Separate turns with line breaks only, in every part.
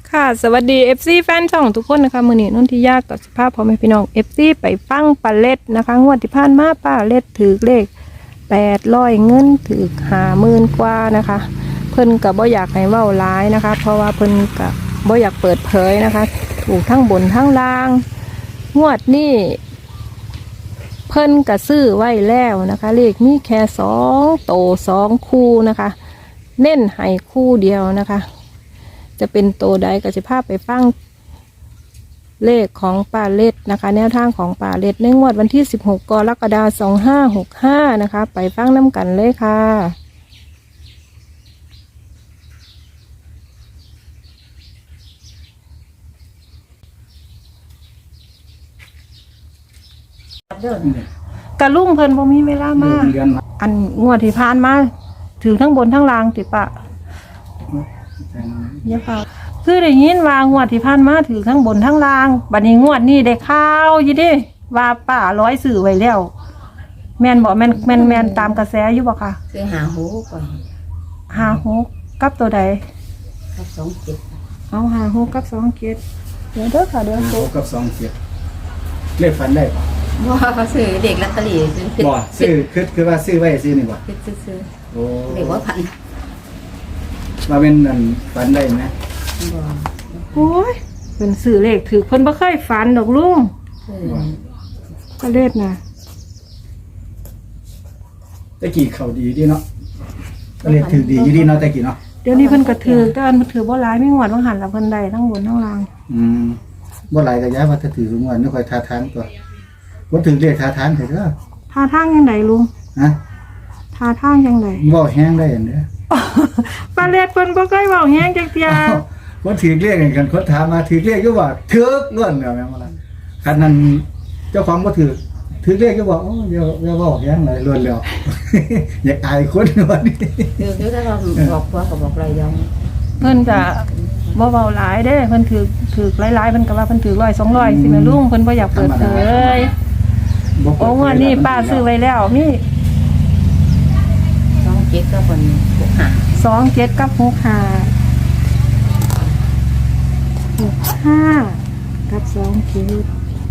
ค่ะสวัสดี FC แฟนช่องทุกคนนะคะมื้อนี้นนทิยากับสภาพพ่อแม่พี่น้อง FC ไปฟังปลาเล็ดนะคะงวดที่ผ่านมาปลาเล็ดถือเลข800เงินถือ50,000กว่านะคะเพิ่นก็บ่อยากให้เว้าหลายนะคะเพราะว่าเพิ่นก็บ่อยากเปิดเผยนะคะถูกทั้งบนทั้งล่างงวดนี้เพิ่นก็ซื้อไว้แล้วนะคะเลขมีแค่2โต2คู่นะคะเน้นให้คู่เดียวนะคะจะเป็นโตใดก็จะพาไปฟังเลขของป่าเล็ดนะคะแนวทางของป่าเล็ดในงวดวันที่16กรกฎาคม2565นะคะไปฟังน้ำกันเลยค่ะกะลุ่งเพิ่นบ่มีเวลามาอันงวดที่ผ่านมาถือทั้งบนทั้งล่างติปะเยอะค่ะคือได้ยินว่างวดที่ผ่านมาถือทั้งบนทั้งล่างบัดนี้งวดนี้ได้ข่าวอยู่ดิว่าป้าร้อยสื่อไว้แล้วแม่นบ่แม่นตามกระแสอยู่บ่ค่ะ
ซื้อหาหูก่อน
56กับตัวใด
กับ27
เอา56กับ27เดี๋ยวเด้อค่ะเดี๋ยว
6กับ27เลขฝันได้ป่ะ
บ่เขาซื้อเด็กลอตเตอรี่ซื้อ
บ่ซื้อคือว่าซื้อไว้ซื้อนี่บ่
ซื้อ
โอ้
เด็กว่าพัน
ว่าเป็นนั่นฝันได้ไหม
บ่
โอ้ยเป็นสื่อเลขถือเพิ่นบ่เคยฝันดอกลุงก็เล็ดนะ
ตะกี้เขาดีดีเนาะเลขถือดีอยู่ดีเนาะตะกี้เนาะ
เดี๋ยวนี้เพิ่นก็ถือแต่มันถือบ่หลายไม่งวดบ่หันละเพิ่นได้ทั้งบนทั้งล่าง
บ่หลายก็ย้ายว่าถ้าถือทุกวันนี่ค่อยท่าทางตัวบ่ถือเลขท่าทางเถอะเด้อ
ท่าทางจังไดลุง
ฮะ
ท่าทางจังได
บ่แห้งได้อันเด้อ
ปลาเล็ดเพิ่นบ่เคยเว้าแฮงจักเที่ย
บ่ถือเลขกันคนถามมาถือเลขอยู่ว่าถือเงินแล้วแม่นบ่ล่ะคันนั้นเจ้าของบ่ถือเลขอยู่ว่าโอ้อย่าเว้าแห้งหลายล้วนแล้วอยากอายคนว่านี่
คือถ้าเราบอกว่าก็บอกอะไรยัง
เพิ่นก็บ่เว้าหลายเด้เพิ่นถือหลายๆเพิ่นก็ว่าเพิ่นถือ100 200สิแม่ลุงเพิ่นบ่อยากเปิดเผยโอ้งวดนี้ป้าซื้อไว้แล้วมี
27ก็คน
27กับ65กับ27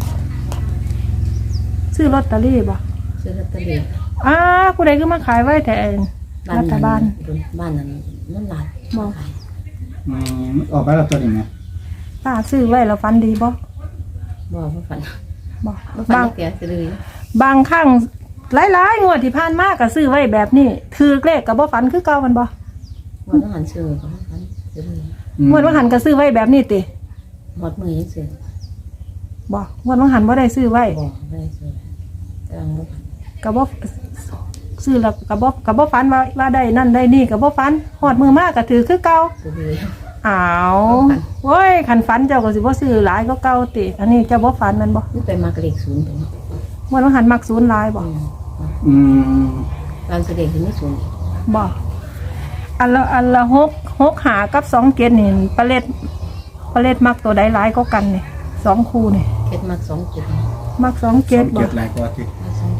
ซื้อลอตเตอรี่บ่
ซื้อลอตเตอรี่
ผู้ใดคือมาขายไว้แต่รัฐบาล
บ้านนั้นนั่นหลาย
บ่
ออกไปแล้วตัวนี้ไง
ป้าซื้อไว้แล้วฟันดีบ่
ฝัน
บ่
บางเสียซื้
อบางครั้งหลายๆงวดที่ผ่านมาก็ซื้อไว้แบบนี้ถือเลขก็บ่ฝันคือเก่ามันบ่
บ่ต้องหันซื้อก็ฝันซื้
องวดว่าหันก็ซื้อไว้แบบนี้ติ
หมดมือยังซื้อ
บ่งวดว่าหันบ่ได้ซื้อไว้
บ่ได้ซื้อแต่บ่
ก็บ่ซื้อแล้วก็บ่ฝันว่าได้นั่นได้นี่ก็บ่ฝันฮอดมือมาก็ถือคือเก่าอ้าวโอ้ยคันฝันเจ้าก็สิบ่ซื้อหลายก็เก่าติอันนี้เจ้าบ่ฝันมันบ่
นี่ไปมากเลข0ตรงนี้
งวดว่าหันมัก0หลายบ่
ตอนแสดงถึงไม่0
บ่อันละ6หากับ27นี่ปลาเล็ดมักตัวใดหลายก็กันนี่2คู่นี่
เก็ดมัก27
มัก27บ่
หลายกว่าติ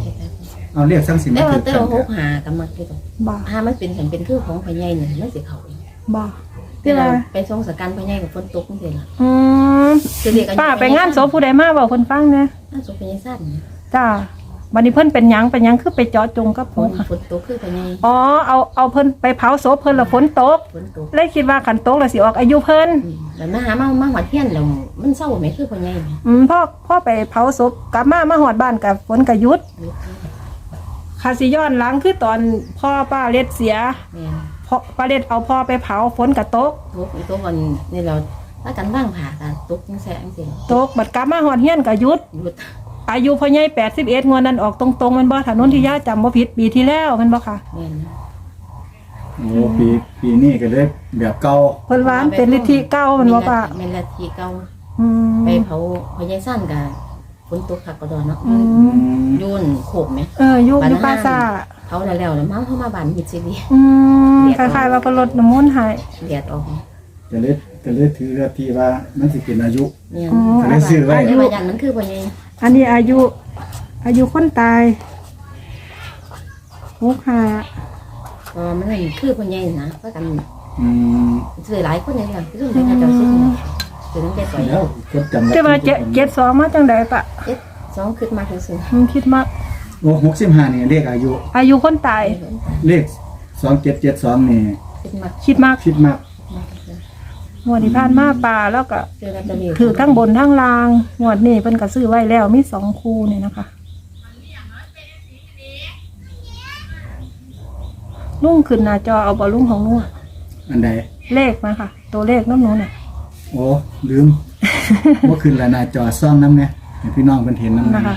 27
เอาเรียกทั้งสิมา
ถือกัน6หากับมักที่ตรง
บ่
มันเป็นคือของพ่อใหญ่นี่มันสิเข้า
บ่
ที่เราไปส่งสกันพ่อใหญ่กับฝนตกจังซี่ล่ะ
ป้าไปงานศพผู้ใดมาเว้าเพิ่นฟังแหน่
งานศพพ่อใหญ่ซั่น
จ้าบัดนี้เพิ่นเป็นหยังคือไปเจาะจงกับผม
ฝนตกคือพ่อใหญ่
เอาเพิ่นไปเผาศพเพิ่นแล้วฝนตกเลยคิดว่าคันตกแล้วสิออกอายุเพิ่น
แล้วมาหามาหอดเฮียนแล้วมันเศร้าแม่คือพ่อใหญ่แม่
พ่อไปเผาศพกลับมาฮอดบ้านกับฝนก็หยุดค่ะสิย้อนหลังคือตอนพ่อป้าเล็ดเสียพ่อป้าเล็ดเอาพ่อไปเผาฝนก็ตก
วันนี่เราถ้ากันบ้างผ่ากันตกจังแซ่จังซี่
ตกบัดกลับมาฮอดเฮียนก็หยุดอายุพ่อใหญ่81งวดนั้นออกตรงๆมันบ่ถนนที่ย่าจำบ่ผิดปีที่แล้วมันบ่ค่ะ
โอ้ปีนี้ก็เลยแบบเก่า
เพิ่นว่าเป็นฤทธิเก่ามันบ่ป่ะ
เป็นฤทธิเก่าไปเผาพ่อใหญ่สั้นก็ฝนตกคักกระดอนเนาะยุ่นโขบมั้ย
ยุ่นป้าซ่า
เผาแล้วๆมาเข้ามาบ้านมิดซิลี
คล้ายๆว่าเพิ่นลดน้ำมนต์ให้
เลียดออก
จะเลยถือที่ว่ามันสิเป็นอายุ
ก็เลยซื้อไว้อายุมันคือพ่อใหญ่
อันนี้อายุคนตาย
มันคือพ่อใหญ่นะก็กันซื้อหลายคนเลยค่ะคือเรื่องการเจ้าซื้อคือตั้งแต่ปล่อย
แล้วก็จำ
แต่ว่าเจ็ดสองมาจังใดปะ
เอ๊ะสองขึ้นมาคือซื้อ
มันคิดมาก
โอ้65นี่เลขอายุ
อายุคนตาย
เลข2772นี่
ขึ้นมา
คิดมาก
คิดมาก
งวดที่ผ่านมาป่าแล้วก็
ซื้อลอตเตอรี่
ถือทั้งบนทั้งล่างงวดนี้เพิ่นก็ซื้อไว้แล้วมี2คู่นี่นะคะลุงขึ้นหน้าจอเอาบ่ลุงของลุงอะ
อันใด
เลขมาค่ะ ตัวเลขน้ำหนูน่ะ
โอ้ลืม บ่ขึ้นแล้วหน้าจอซ่องนำแน่ให้พี่น้องเพิ่นเห็นนำ
นะคะ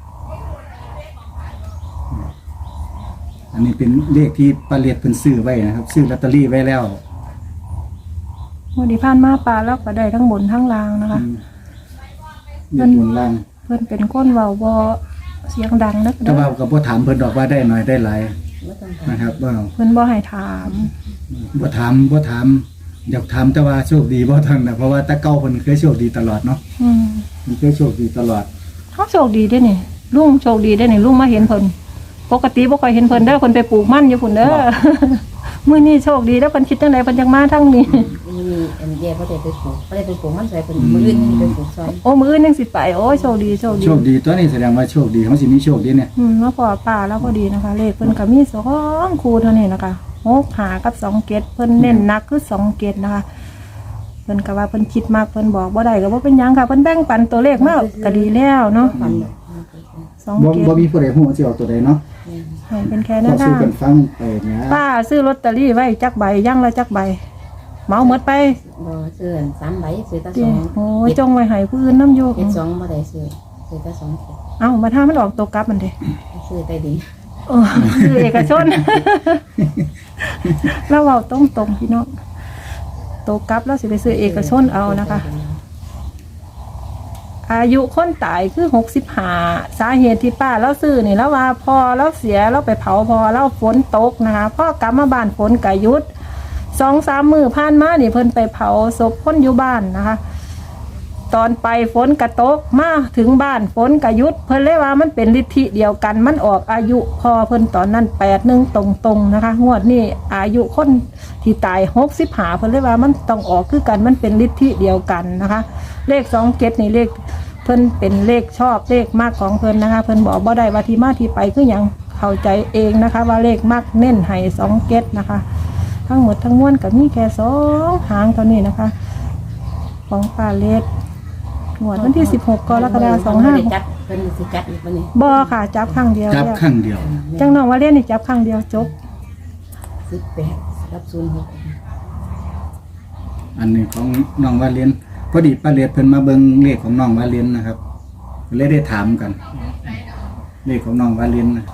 อันนี้เป็นเลขที่ป้าเลียดเพิ่นซื้อไว้นะครับ ซื้อลอตเตอรี่ไว้แล้ว
งวดที่ผ่านมาป่าแล้วก็ได้ทั้งบนทั้งล่างนะคะ
เลขบนล่าง
เพิ่นเป็นคนเว้าบ่เสียงดังนัก
แต่ว่าก็บ่ถามเพิ่นดอกว่าได้น้อยได้หลาย
ไม่ต้องถาม
นะครับบ่
เพิ่นบ่ให้ถาม
บ่ถามอยากถามแต่ว่าโชคดีบ่ทันนะเพราะว่าแต่เก่าเพิ่นเคยโชคดีตลอดเนาะ
อืม
มันเคยโชคดีตลอด
เขาโชคดีเด้นี่ลุงโชคดีเด้นี่ลุงมาเห็นเพิ่นปกติบ่ค่อยเห็นเพิ่นเด้อเพิ่นไปปลูกมันอยู่พุ่นเด้อ มื้อนี้โชคดีแล้วเพิ่นคิดจังไดเพิ่นจังมาทางนี้
มีอันเดียวก็ได้ไปปลูกก็ได้ไปปลูกมันใส่เป็นมืออื่นนี่ไปปลูกซอย
โอ้มื้ออื่นยังสิไปโอ้ยโชคดีโชคดี
โชคดีตัวนี้แสดงว่าโชคดีเขาสิมีโชคดีเนี่ย
มาพอป่าแล้วพอดีนะคะ เลขเพิ่นก็มี2คู่เท่านี้นะคะ6หากับ2เกตเพิ่นเน้นหนักคือ2เกตนะคะเพิ่นก็ว่าเพิ่นคิดมากเพิ่นบอกบ่ได้ก็บ่เป็นหยังค่ะเพิ่นแบ่งปันตัวเลขมาก็ดีแล้วเนาะ
ฟัน
2
บ่
เกต
บ่มีผู้ใดฮู้ว่าสิเอาตัวใดเนาะ
ให้เป็นแค่
ก็
นั้น
สู้
ค่ะ
กันฟังไปเนี่ย
ป้าซื้อลอตเตอรี่ไว้จักใบย่างละจักใบเหมาหมดไป
บ่ซื้อ3ใบซื้อตา
ติ
สอง
โอ้ยจงไว้ให้ผู้อื่นนํอยู่
เฮ็ด2บ่ได้ซื้อตาสอง
เอ้ามาถ้ามันออกตัวกลับมันเด้
ซื้อใต้ดิน
เออคือเอกชน เราเว้าตรงๆพี่น้องตัวกลับแล้วสิไปซื้อเอกชนเอานะคะ อายุคนตายคือ65สาเหตุที่ป้าเราซื้อนี่แล้วว่าพอเราเสียเราไปเผาพอเราฝนตกนะคะพ่อกลับมาบ้านฝนกะหยุด2-3 มื้อผ่านมานี่เพิ่นไปเผาศพคนอยู่บ้านนะคะ ตอนไปฝนกระตกมาถึงบ้านฝนกะหยุดเพิ่นเลยว่ามันเป็นฤทธิเดียวกันมันออกอายุพอเพิ่นตอนนั้น81ตรงๆนะคะงวดนี้อายุคนที่ตาย65เพิ่นเลยว่ามันต้องออกคือกันมันเป็นฤทธิเดียวกันนะคะ เลข27นี่เลขเพิ่นเป็นเลขชอบเลขมากของเพิ่นนะคะเพิ่นบอกบ่ได้ว่าที่มาที่ไปคือหยังเข้าใจเองนะคะ ว่าเลขมากเน้นให้27นะคะ ทั้งหมดทั้งมวลก็มีแค่2หางเท่านี้นะคะ ของปาเลสงวดวันที่16กรกฎาคม
ไม่ได้จัดเพิ่นสิจัดอีกบ่นี่
25บ่ค่ะจับครั้งเดียว
จับ
แล้ว
ครั้งเดียว
จังน้องว่าเล่นนี่จับครั้งเดียวจบ
18กับ06
อันนี้ของน้องวาเลียนพอดีป้าเลียดเพิ่นมาเบิ่งเลขของน้องวาเลียนนะครับเลยได้ถามกัน เลขของน้องวาเลียนนะ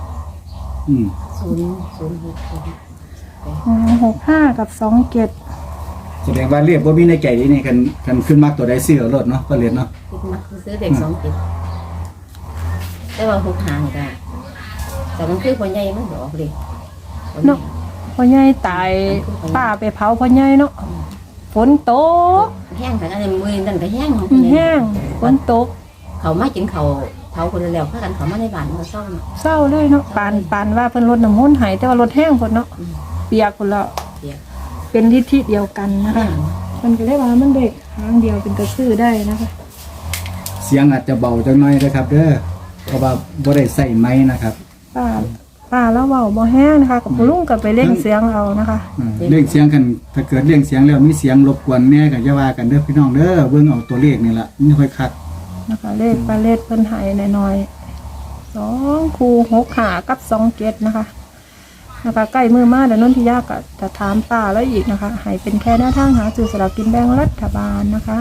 65กับ27
แสดงว่าเรียกว่ามีในใจนี่นี่คันขึ้นมากตัวใดซื้อเอารถเนาะป้าเลียนเนาะ
คิดมักซื้อเด็ก2 7แต่ว่า6หางก็แต่มันคือคนใหญ่มันออกเลย
เนาะพ่อใหญ่ตายป้าไปเผาพ่อใหญ่เนาะฝนตก
แห้งค่ะอันนี้มือนั่นก็แห้ง
แห้งฝนตก
เขามากินเขาเผาคนแล้วพากันเขามาในบ้านมันก็เศร้าเนาะ
เศร้าเลยเนาะปานว่าเพิ่นรดน้ำมนต์ให้แต่ว่ารถแห้งพุ่นเนาะเปียกพุ่นแล้ว
เปียก
เป็นทิศที่เดียวกันนะคะมันก็เลยว่ามันเด็กหางเดียวเป็นกระซื้อได้นะคะ
เสียงอาจจะเบาจังหน่อยนะครับเด้อเพราะว่าบ่ได้ใส่ไม้นะครับ
ป้าแล้วเบาบ่แห้งนะคะกับลุงกับไปเล่นเสียงเอานะคะ
เรียกเสียงกันถ้าเกิดเรียกเสียงแล้วมีเสียงรบกวนแน่ก็อย่าว่ากันเด้อพี่น้องเด้อเบิ่งเอาตัวเลขนี่ล่ะนี่ค่อยคัก
นะคะเลขปลาเล็ดเพิ่นให้น้อยๆ2คู่6ขากับ2เกตนะคะใกล้มือมาเดี๋ยวนนทิยาก็จะถามป้าแล้วอีกนะคะให้เป็นแค่แนวทางหาซื้อสลากกินแบ่งรัฐบาลนะคะ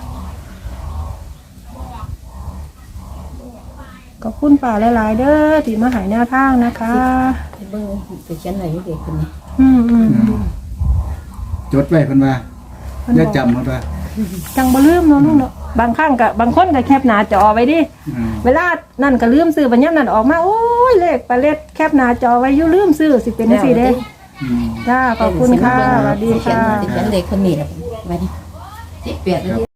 ขอบคุณป้าหลายๆเด้อที่มาให้แนวทางนะคะ
ไปเบิ่งไปเขียนไว้ให้เด็กคนนี้
จดไว้เพิ่นว่าอย่าจำเพิ่นว่า
จังบ่ลืมเนาะลุงเนาะบางครั้งก็บางคนก็แคปหน้าจอไว้ดิ เวลานั่นก็ลืมซื้อบัญญัตินั่นออกมาโอ้ยเลขปลาเล็ดแคปหน้าจอไว้อยู่ลืมซื้อสิเป็นจังซี่เด้จ้าขอบคุณค่ะสวัสดีค่ะ
เขียนเด็กคนนี้แหละไว้นี่18